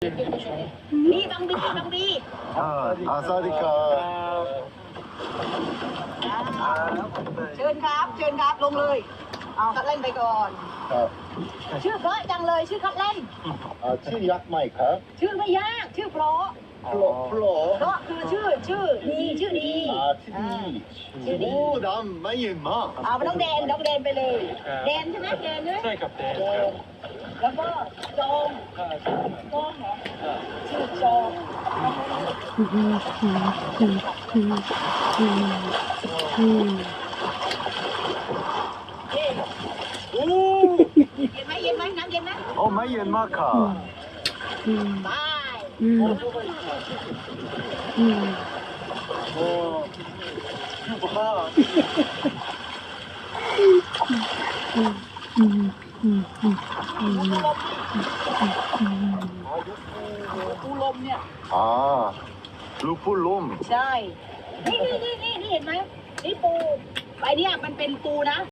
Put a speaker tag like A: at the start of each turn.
A: นี่บังบีบังบี
B: สวัสดีครับ
A: เชิญครับลงเลยเอาคัดเล่นไปก่อน
B: ครับ
A: ชื่อเพราะจังเลยชื่อคัดเล่น
B: ชื่อยักษ์ไหมครับ
A: ชื่อไม่ยากชื่อเพราะ
B: โปร
A: เพราะคือชื่อดีชื่อดี
B: ชื่อดีโอ้ดำไม่ยืนมาก
A: เอาไปต้องแดนไปเลยแดนใช่ไหมแดนเลย
C: ใช่ครับแดน
A: แด
C: ครับ
A: นแล้วก็จองจองเหรอชื่อจองเอ๊ะ
B: โอ้
A: เย็นไหมน้ำเย็นไหม
B: โอ้ไม่ยืนมากค่ะ
A: บาย
B: โอ้ยูบ้า
A: ปูลมเนี่ย
B: ลูกผู้ล้ม
A: ใช่นี่เห็นไหมนี่ปูไอเนี่ยมันเป็นปูนะ